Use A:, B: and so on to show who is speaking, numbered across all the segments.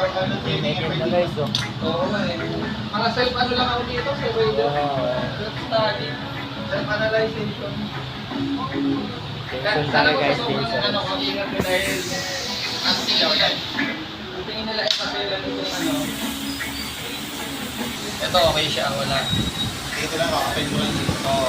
A: Naked na guys, oh.
B: Oo nga eh. Mga self ano lang ako dito, self-study, self-analyzation.
A: Tension talaga guys, tension.
B: Ano ko, ingat ko dahil ano siya yan. Ang tingin nila ay papilan itong ano. Ito okay siya, wala.
C: Dito lang ako, kapag mo lang dito.
B: Oo.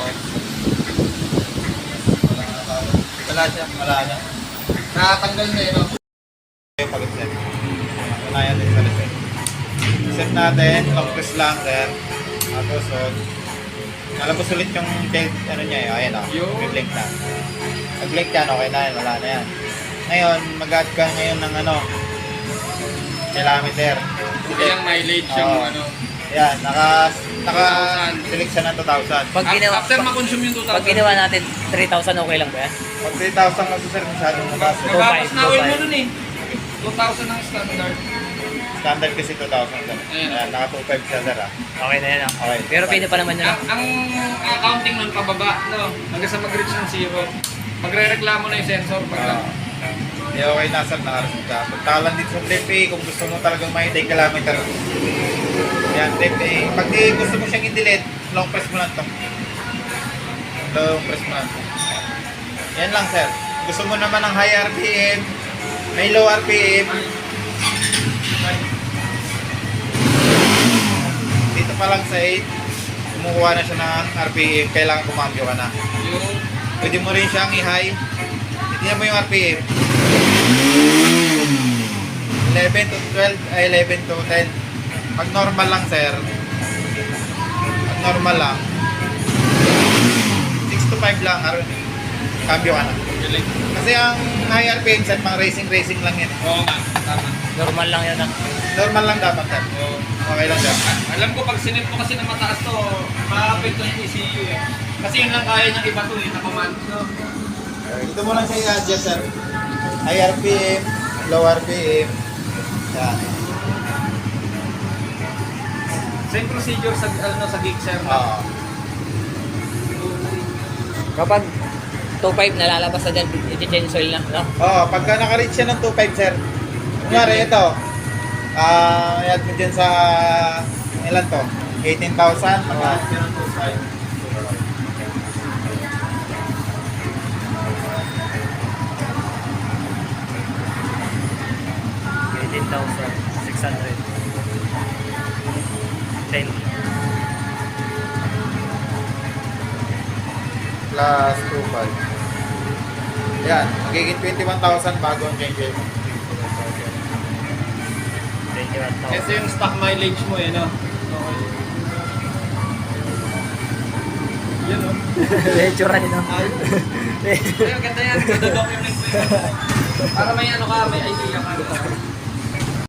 B: Wala siya.
C: Wala na.
B: Nakatanggal na yun.
C: Yung pag-set. Unayan din sa reset. Set natin, long press lang sir. Tapos, nalabos ulit yung belt, ano niya eh. Ayan o, blink na. Pag-blink yan, okay na yan, wala na yan. Ngayon, mag-add ka ngayon ng ano, kilometer.
B: Ilang mileage yung
C: Oo.
B: ano.
C: Yan, naka-select siya ng 2,000.
A: Pag ginawa,
B: After ma-consume yung 2,000.
A: pag ginawa natin 3,000, okay lang ba yan?
C: Pag 3,000 kasi sir, masyadong mabasa.
B: Magbawas na oil mo
A: 2,500.
B: nun eh. 2,000 ang standard.
C: Standard kasi 2,000 sir. Ayan, naka 2,500 siya sir ah.
A: Okay na yan, ah.
C: Okay.
A: Pero pwede pa naman yun, ah.
B: Ang accounting nun pababa, no? Hanggang sa mag-reach ng zero. Magre-reklamo na yung sensor pag
C: Hindi okay na sir, nakareset ka. Punta lang dito sa Flip A kung gusto mo talagang may 10 kilometer. Yan, Flip A. Pag di gusto mo siyang i-delete, long press mo lang to. Long press mo lang to. Yan lang sir. Gusto mo naman ng high RPM, may low RPM. Dito pa lang sa 8, kumukuha na siya ng RPM, kailangan kumambyo ka na.
B: yung
C: Pwede mo rin siyang i-high. Tingnan mo yung RPM. 11 to 12, ay 11 to 10. Pag normal lang sir, pag normal lang, 6 to 5 lang, cambio ka na.
B: galing.
C: Kasi ang high RPM sir, pang racing lang yan.
B: Oo nga, tama.
A: Normal lang yan, ah.
C: Normal lang dapat sir.
B: Oo.
C: Okay lang sir.
B: Alam ko pag sinip mo kasi na mataas to, ma-affect yung ECU eh. Kasi yun lang kaya niyang iba to eh, na-command. No?
C: Ito mo lang siya i-adjust sir. High RPM, low RPM. Yan.
B: Same procedure sa ano sa Gixxer.
C: Oo.
A: Kapag 2.5 nalalabas na dyan, i-change oil na, no?
C: Pagka naka-reach siya ng 2.5 sir. Kunyari ito. Add mo dyan sa ilan to? 18,000. Mag-add ka ng 2.5.
A: 18,600. 10.
C: Plus 2.5. Yan. Magiging 21,000 bago ang change oil mo.
A: 21,000.
B: Ito yung stock mileage mo eh, no? Okay. Yan o.
A: Lecture rin, no?
B: Ay, ganda yan. Ganda document mo yun. Para may ano ka, may idea ka.